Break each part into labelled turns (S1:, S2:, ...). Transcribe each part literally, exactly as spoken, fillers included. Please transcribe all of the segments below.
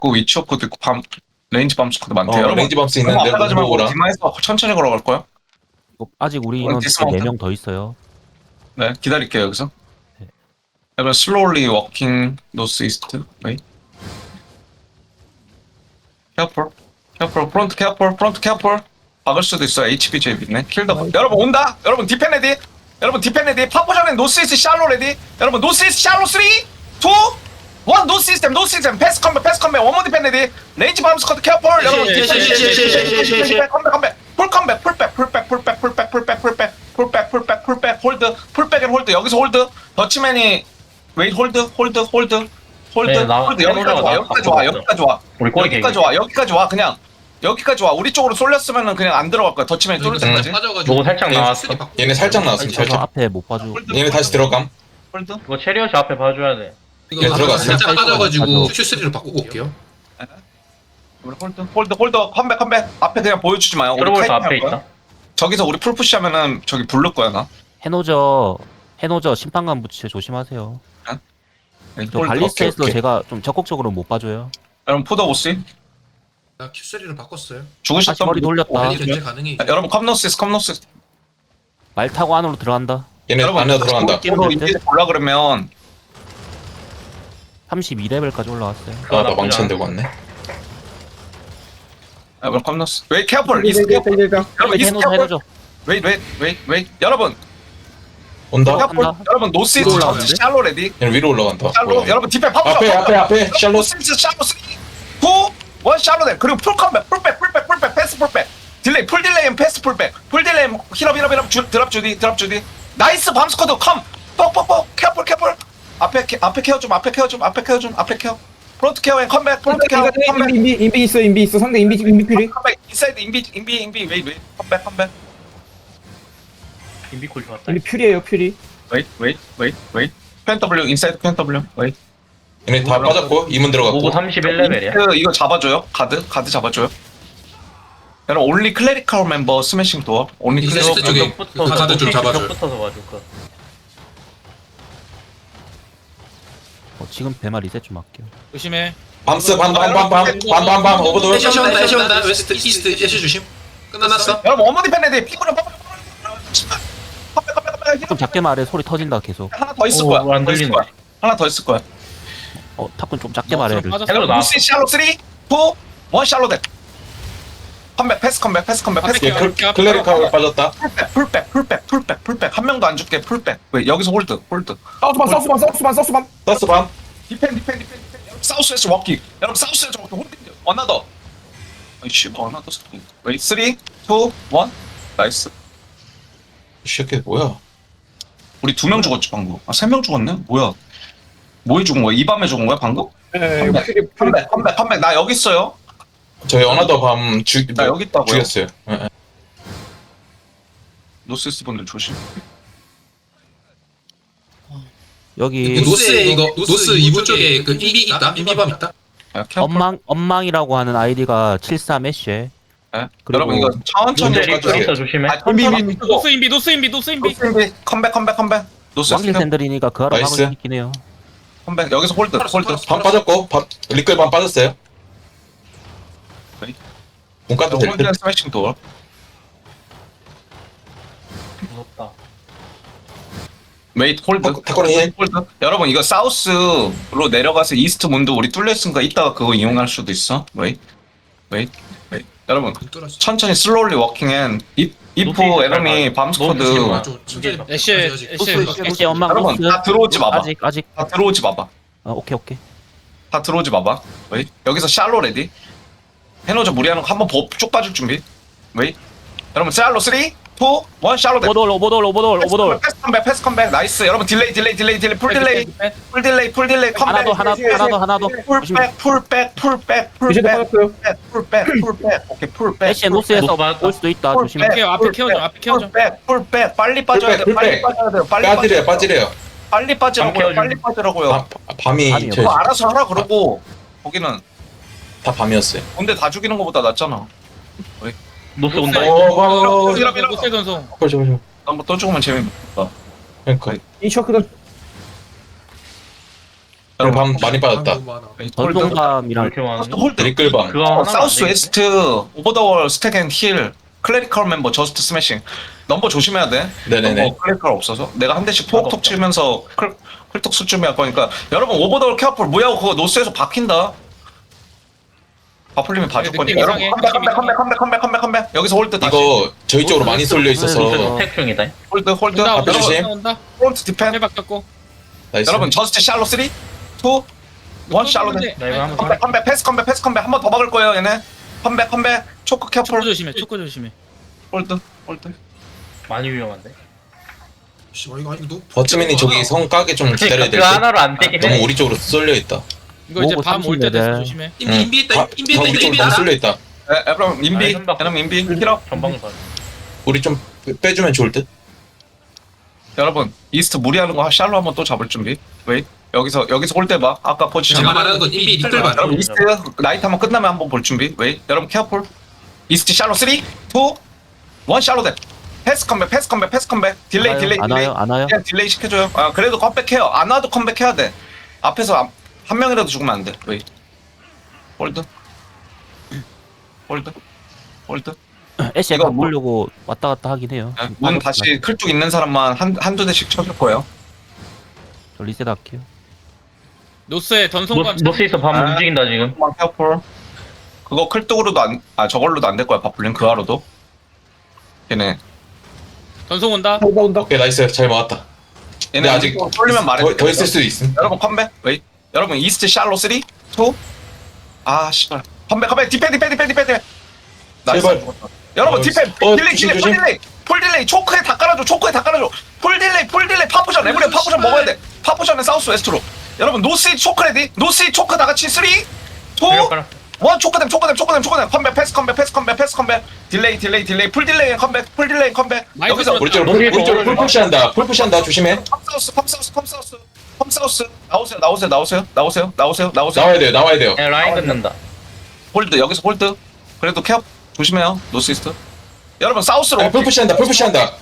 S1: 있고 위치 오크도 있고 밤 레인지 밤 스쿼드 많대.
S2: 어,
S1: 여러분
S2: 레인지 밤스
S1: 너무
S2: 있는데
S1: 앞에 가지 말고
S2: 오라.
S1: 디마에서 천천히 걸어갈 거야.
S3: 이거 아직 우리
S1: 어,
S3: 인원
S1: 디스마운트.
S3: 네 명 더 있어요.
S1: 네, 기다릴게요 여기서.
S3: 네.
S1: 여러분 slowly walking north east. Wait. Careful. Careful. Front careful. Front careful. 박을 수도 있어. 에이치비제이 있네. 킬더. 여러분 온다. 여러분 디펜 레디. 여러분 디펜 레디. 파포션에 노스 이스트 샬로 레디. 여러분 노스 이스트 샬로 삼, 이, 일. 노 시스템. 노 시스템. 패스 컴백. 패스 컴백. 원모 디펜 레디. 레인지 밤 스쿼드 careful. 여러분 디펜 레디. 컴백 컴백. 풀 컴백. 풀백. 풀백. 풀백. 풀백. 풀백. 풀백. 풀백. 풀백. 풀백. 홀드. 풀백 앤 홀드. 여기서 홀드. 더치맨이 웨이 홀드. 홀드. 홀드. 홀드.
S4: 네, 나-
S1: 홀드. 여기까지 와. 여기까지 와. 여기까지 와.
S4: 우리 꼬리
S1: 여기까지 와. 여기까지 와. 그냥 여기까지 와. 우리 쪽으로 쏠렸으면은 그냥 안 들어갈 거야. 더치맨이 뚫을 때까지.
S4: 누구 살짝 나왔어.
S2: 얘네 살짝 나왔습니다.
S3: 저서
S2: 살짝.
S3: 앞에 못 봐줘.
S2: 얘네 다시 들어감.
S1: 홀드.
S4: 이거 체리엇이 앞에 봐줘야 돼.
S2: 예,
S5: 이거
S2: 들어갔어요.
S5: 살짝 빠져가지고
S3: 가죠.
S5: 큐쓰리로 바꾸고 올게요.
S1: 홀드. 홀드. 홀드. 컴백. 컴백. 앞에 그냥 보여주지 마요. 우리
S4: 트러블스
S1: 카이팅
S4: 앞에
S1: 할 거야.
S4: 있다.
S1: 저기서 우리 풀푸시 하면은 저기 부를 거야 나.
S3: 해노저 해노저 심판관 부츠 조심하세요. 저
S1: 홀드.
S3: 발리스트에서
S2: 오케이, 오케이.
S3: 제가 좀 적극적으로 못 봐줘요.
S1: 여러분 포더 보스
S5: 나 큐쓰리로 바꿨어요.
S1: 죽으셨던
S3: 다시 머리
S1: 분-
S3: 돌렸다.
S1: 어,
S5: 빨리 견제 가능해.
S1: 아, 여러분 컴노시스 컴노시스.
S3: 말 타고 안으로 들어간다.
S2: 얘네
S1: 여러분
S2: 안에 들어간다.
S1: 포더 인디 올라 그러면
S3: 삼십이 레벨까지 올라왔어요.
S2: 아, 나 망치 안 들고 왔네.
S1: 여러분 컴노스. 웨이 캐플. 이스 캐플. 여러분 이스
S3: 해노저
S1: 캐플.
S3: 해노저.
S1: 웨이 웨이 웨이 웨이. 여러분
S2: 온다.
S1: 캐플.
S3: 간다.
S1: 여러분 노시스
S3: 위로 올라가는데?
S1: 샬로 레디.
S2: 얘네 위로 올라간다.
S1: 샬로.
S2: 올라간다.
S1: 여러분 디펜 파푸.
S2: 앞에 앞에 앞에 샬롯.
S1: 노시스 샬로 삼, 이, 일 샬로 돼. 그리고 풀 컴백. 풀백. 풀백. 풀백. 패스 풀백. 딜레이. 풀 딜레이 앤 패스 풀백. 풀 딜레이 앤 힐업 힐업 힐업 주, 드랍 주디 드랍 주디. 나이스 밤 스쿼드 컴. 뻑뻑뻑. 캐플 캐플. 앞에 케, 앞에 케어 좀. 앞에 케어 좀. 앞에 케어 좀. 앞에 케어. 프론트 케어 앤 컴백. 프론트 케어. 컴백.
S6: 인비 인비 인비 있어 인비 있어 상대 인비 인비 필이
S1: 컴백. 인사이드 인비 인비 인비 웨이 웨이. 컴백 컴백.
S4: 인비콜 좋았다.
S6: 인비 퓨리에요 퓨리
S1: 웨이 웨이 웨이 웨이. 펜 더블유 인사이드 펜 더블유. 웨이.
S2: 얘네 다 빠졌고 이문
S4: 오구
S2: 들어갔고.
S4: 삼십일 레벨이야.
S1: 그 이거 잡아줘요. 가드 가드 잡아줘요. 여러분 올리 클래리컬 멤버 스매싱 도어. 올리
S5: 이스트
S1: 클래리컬
S5: 쪽에 그 가드 좀 잡아줘요.
S4: 붙어서 봐줄 거.
S3: 어, 지금 배마 리셋 좀 할게요.
S7: 조심해.
S2: 밤스 밤밤밤밤밤밤밤 오버돌.
S5: 애쉬 온다 애쉬 온다 웨스트 이스트 애쉬 조심. 끝났어.
S1: 여러분 어머니 팬레디 피부는 컴백 컴백 컴백
S3: 좀 작게 말해. 소리 터진다 계속.
S1: 하나 더 있을
S4: 오,
S1: 거야.
S4: 안
S1: 더 있을
S4: 들리네.
S1: 거야. 하나 더 있을 거야.
S3: 어 탑군 좀 작게 말해.
S7: 빠졌어.
S1: 여러분
S4: 나-
S1: 루시 샬로 삼, 이, 일 샬로 대. 컴백 패스 컴백 패스 컴백 패스
S2: 얘
S1: 컴백.
S2: 클- 클레리카가 빠졌다.
S1: 풀백 풀백 풀백 풀백 풀백 한 명도 안 죽게 풀백. 왜 여기서 홀드 홀드.
S6: 사우스반 사우스반 사우스반 사우스반
S2: 서스 밤.
S1: 디펜 디펜 디펜 디펜. 여러분 사우스에서 워킹. 여러분 사우스에서 워킹 홀드. 어나더. 아이씨 뭐 어나더 스킨. 웨이 삼, 이, 일 나이스.
S2: 이 새끼 뭐야?
S1: 우리 두 명 죽었지 방금. 아 세 명 죽었네. 뭐야? 뭐에 죽은 거야? 이 밤에 죽은 거야 방금?
S6: 예 퓨리 퓨리
S1: 컴백 컴백 컴백. 나 여기 있어요.
S2: 저희 어나더 밤 죽.
S1: 나 여기 있다고요.
S2: 죽였어요. 예, 예.
S1: 노스이스트 분들 조심.
S3: 여기
S5: 노스에 이거 노스 이부 쪽에 그 인비 있다. 인비밤 있다.
S1: 야, 케어.
S3: 엄망 엄망이라고 하는 아이디가 칠십삼 애쉬에.
S1: 네.
S3: 그리고
S1: 여러분 이거 천천히
S2: 문제
S4: 체리
S2: 빠져요.
S4: 있어 조심해.
S1: 아, 천천히 쓰고.
S7: 노스 인비, 노스 인비, 노스 인비.
S1: 노스 인비. 컴백 컴백 컴백. 노스
S3: 왕길 샌들이니까 그 하러
S2: 나이스.
S3: 막을 수 있긴 해요.
S1: 컴백 여기서 홀드 홀드.
S2: 밤 빠졌고 밤 리클 밤 빠졌어요.
S1: 네.
S2: 문 까도 될
S1: 홀드
S2: 듯.
S1: 스매싱 도어.
S4: 무섭다.
S1: 웨이트 홀드.
S2: 탁- 탁구는 힐.
S1: 홀드. 여러분 이거 사우스로 내려가서 이스트 문도 우리 뚫렸으니까 이따가 그거 이용할 수도 있어. 웨이트 웨이트 웨이트. 여러분
S5: 뚫었어.
S1: 천천히 슬로울리 워킹 앤 이프
S4: 노스
S1: 에너미 밤 스쿼드.
S5: 맞아. 천천히 바꿔.
S7: 애쉬,
S5: 아직, 아직.
S7: 애쉬.
S3: 애쉬 엄망
S1: 여러분
S3: 노스.
S1: 다 들어오지 마봐.
S3: 아직 아직.
S1: 다 들어오지 마봐.
S3: 어, 오케이 오케이.
S1: 다 들어오지 마봐. 웨이. 여기서 샬로 레디. 해노저 무리하는 거 한번 쭉 빠질 준비. 웨이. 여러분 샬로 삼, 이, 일 샬로 대.
S3: 오버돌 오버돌 오버돌 오버돌.
S1: 패스 컴백 패스 컴백 나이스. 여러분 딜레이 딜레이 딜레이 딜레이 풀 딜레이 풀 딜레이 풀 딜레이 컴백.
S3: 하나 더 하나 더 하나 더 하나 더.
S1: 풀백 풀백 풀백
S6: 이제
S1: 풀백
S6: 빠졌어요
S1: 풀백 풀백 오케이 풀백.
S3: 애쉬 노스에서
S4: 노스 맞았다.
S3: 올 수도 있다. 조심해.
S7: 앞에, 앞에 키워줘, 앞에 키워줘.
S1: 풀백 풀백 빨리 빠져야 돼.
S2: 풀백,
S1: 빨리
S2: 풀백.
S1: 빠져야 돼요. 빨리
S2: 빠지래요
S1: 빠져.
S2: 빠지래요.
S1: 빨리 빠지라고요.
S4: 키워줘.
S1: 빨리 빠지라고요.
S2: 밤- 밤이
S3: 밤이요.
S2: 저희
S1: 그거 알아서 하라 그러고 거기는
S2: 다 밤이었어요.
S1: 군대 다 죽이는 것보다 낫잖아.
S4: 노스 온다.
S2: 어,
S1: 밀어, 밀어.
S7: 노스 전송.
S2: 그렇죠 그렇죠.
S1: 한번 또 죽으면 재미없다.
S2: 그러니까
S6: 이 셔크던
S2: 오늘 밤 많이 빠졌다.
S5: 너무 많아.
S1: 홀드
S3: 전동감이랑
S4: 이렇게 많은
S1: 홀드
S2: 드리끌밤.
S4: 그거 하나
S1: 사우스 웨스트 오버더월 스택 앤힐 클레리컬 멤버 저스트 스매싱 넘버 조심해야 돼.
S2: 네네네.
S1: 넘버 클레리컬 없어서 내가 한 대씩
S4: 나도
S1: 톡톡
S4: 없다.
S1: 치면서 클 클톡 수준이 할 거니까 여러분 오버더월 케어풀 무야호 그거 노스에서 박힌다. 바풀림이 봐줄
S7: 느낌
S1: 거니까 여러분
S7: 이상해.
S1: 컴백 컴백
S7: 느낌
S1: 컴백 컴백 컴백 컴백 컴백 여기서 홀드 다시
S2: 이거 저희 쪽으로 많이 쏠려 있어서
S4: 스택 중이다.
S1: 홀드 홀드
S7: 온다
S2: 앞에
S7: 온다
S2: 주심.
S7: 온다 온다.
S1: 프론트 디펜
S7: 해박혔고.
S2: 나이스.
S1: 여러분 저스트 샬로 쓰리 투 원 샬로 돼
S4: 나 이거 한번
S1: 컴백 컴백 패스 컴백 패스 컴백 한 번 더 막을 거예요 얘네 컴백 컴백 초크
S7: 초코
S1: 케어풀
S7: 조심해. 초코 조심해.
S1: 홀드 홀드
S4: 많이 위험한데.
S5: 씨발 이거 아니 너.
S2: 버츠맨이 저기 성 까게 좀 기다려야 될
S4: 그
S2: 듯.
S4: 하나로 안 되긴
S2: 너무
S4: 해.
S2: 우리 쪽으로 쏠려 있다.
S7: 이거 이제
S3: 모으고
S7: 밤 올 때
S3: 삼십
S7: 돼서
S3: 레벨.
S7: 조심해.
S5: 인비 인비 있다. 인비 있다.
S2: 우리
S5: 인비
S2: 쪽으로
S5: 있다.
S2: 너무 쏠려 있다.
S1: 에, 여러분 인비
S4: 아니, 선박.
S1: 여러분 인비 힐업
S4: 전방을 봐.
S2: 우리 좀 빼- 빼주면 좋을 듯.
S1: 여러분 이스트 무리하는 거 샬로 한번 또 잡을 준비 웨이 여기서 여기서 홀대 봐 아까 포지션
S5: 제가 말하는 건 인비 뒷뜰반.
S1: 여러분 이스트 나이트 한번 끝나면 한번 볼 준비 웨이 여러분 케어풀 이스트 샬로 쓰리 투 원 샬로 돼 패스 컴백 패스 컴백 패스 컴백 딜레이 딜레이
S3: 안
S1: 딜레이
S3: 와요? 안 와요?
S1: 그냥 딜레이 시켜줘요 아 그래도 컴백해요 안 와도 컴백해야 돼 앞에서 안- 한 명이라도 죽으면 안돼 웨이 홀드 홀드 홀드
S3: 애쉬
S1: 이거
S3: 약간
S1: 뭐-
S3: 물려고 왔다 갔다 하긴 해요.
S1: 네, 문 다시 클쭉 있는 사람만 한, 한두 대씩 쳐줄 거예요
S3: 저 리셋 할게요.
S7: 노스에 전송감.
S4: 노- 노스에서 밤
S1: 아.
S4: 움직인다 지금.
S1: 만 케어풀 그거 클뚝으로도 안, 아 저걸로도 안 될 거야 바풀린 그 하로도 걔네
S7: 전송 온다.
S6: 온다 온다.
S2: 오케이 나이스 잘 막았다.
S1: 얘네
S2: 근데 아직
S1: 쏠리면 말해
S2: 더, 더 있을 수도 있음.
S1: 여러분 컴백 웨이 여러분 이스트 샬로 쓰리 투 아 씨발 컴백 컴백 디펜 디펜 디펜 디펜 디펜 나이스.
S2: 제발.
S1: 여러분
S2: 어,
S1: 디펜
S2: 어,
S1: 딜레이
S2: 조심,
S1: 딜레이 풀
S2: 조심.
S1: 딜레이 풀 딜레이 초크에 다 깔아줘 초크에 다 깔아줘 풀 딜레이 풀 딜레이 파푸션 에브리 파푸션 먹어야 돼 파푸션은 사우스 웨스트로 여러분 노스 초크 레디 노스 초크 다 같이 쓰리 투
S4: 그래,
S1: 원 초크댐 초크댐 초크댐 초크댐 컴백 패스 컴백 패스 컴백 패스 컴백 딜레이 딜레이 딜레이 풀 딜레이 컴백 풀 딜레이 컴백
S7: 많이
S1: 여기서
S7: 들었다.
S2: 우리 쪽으로 풀- 우리 쪽으로 풀 푸시한다. 풀 푸시한다. 조심해.
S1: 컴사우스 컴사우스 컴사우스 컴사우스 나오세요 나오세요 나오세요 나오세요 나오세요 나오세요
S2: 나와야 돼요. 나와야 돼요.
S4: 네, 라인 끊는다.
S1: 홀드 여기서 홀드 그래도 케어 조심해요 노스이스트 여러분 사우스로
S2: 아, 풀
S1: 워킹
S2: 푸시한다. 풀 푸시한다.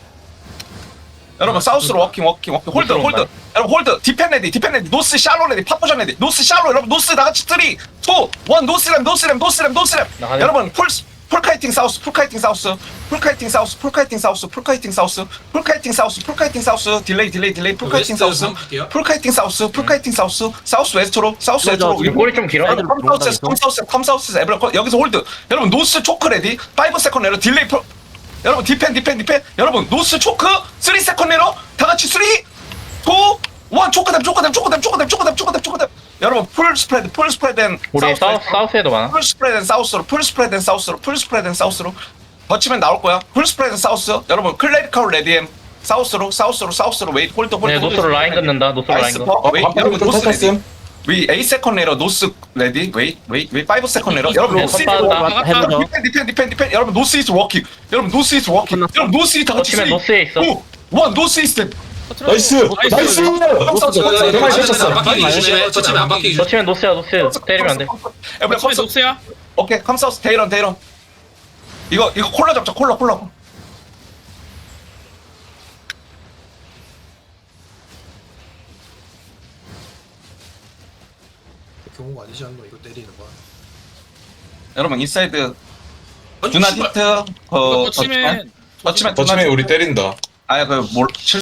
S1: 여러분 사우스로 워킹 워킹 워킹 홀드
S4: 노스로
S1: 홀드
S4: 온다.
S1: 여러분 홀드 디펜 레디 디펜 레디 노스 샬로 레디 파포션 레디 노스 샬로 여러분 노스 다같이 쓰리 투 원 노스램 노스램 노스램 노스램
S4: 나가네.
S1: 여러분 풀 풀카이팅 사우스 풀카이팅 사우스 풀카이팅 사우스 풀카이팅 사우스 풀카이팅 사우스 풀카이팅 사우스 풀카이팅 사우스 딜레이 딜레이 딜레이 풀카이팅
S5: 웨스트
S1: 사우스
S5: 삼킬게요.
S1: 풀카이팅 사우스 풀카이팅 사우스 사우스 웨스트로 사우스 웨스트로
S3: 지금
S4: 꼬리 좀 길어.
S3: 사이드로
S1: 컴사우스
S3: 들어온다,
S1: 컴사우스 컴사우스 에브라 여기서 홀드 여러분 노스 초크 레디 오 세컨 내로 딜레이 풀 여러분 디펜 디펜 디펜 여러분 노스 초크 삼 세컨 내로 다 같이 삼 이 일 초크댐 초크댐 초크댐 초크댐 초크댐 초크댐 초크댐 여러분 풀 스프레드 풀 스프레드 앤
S4: 우리 사우스 사우스에도 많아.
S1: 풀 스프레드 앤 사우스로 풀 스프레드 앤 사우스로 풀 스프레드 앤 사우스로 버치면 나올 거야 풀 스프레드 앤 사우스 여러분 클레리컬 레디 앤 사우스로 사우스로 사우스로 웨이트 홀드 홀드
S4: 네, 노스로 라인 끊는다. 노스로 라인
S1: 나이스
S4: 끊어.
S1: 퍼
S2: 어,
S1: 웨이트
S2: 방금
S1: 여러분
S2: 좀
S1: 노스 레디
S2: 탈탔음.
S1: 위 에잇 세컨 내로 노스 레디 웨이 웨이 웨이 오 세컨 내로 여러분
S4: 네,
S1: 노스 이스트
S4: 선빵한다.
S1: 워킹.
S3: 해보죠.
S1: 디펜 디펜 디펜 디펜 여러분 노스 이스트 워킹 여러분 노스 이스트 워킹
S3: 끝났어.
S1: 여러분 노스 이스트 다 같이
S4: 버티면 노스에 있어.
S1: 원 노스 이스트
S2: 나이스. 나이스.
S5: 정말
S2: 쳤어.
S5: 안 박히기 조심해. 버치면 안 박히기 조심해.
S4: 버치면 노스야 노스. 때리면 안 돼.
S1: 에브리
S7: 처음에 노스야.
S1: 오케이 컴사우스 데이런 데이런 이거 이거 콜라 잡자 콜라 콜라
S5: 경우가 아니지 않노 이거 때리는 거.
S1: 여러분 인사이드
S5: 아니,
S1: 주나
S5: 씨발.
S1: 디트 어
S7: 거치면
S1: 터치면
S2: 버츠맨 우리 때린다.
S1: 아야 그뭘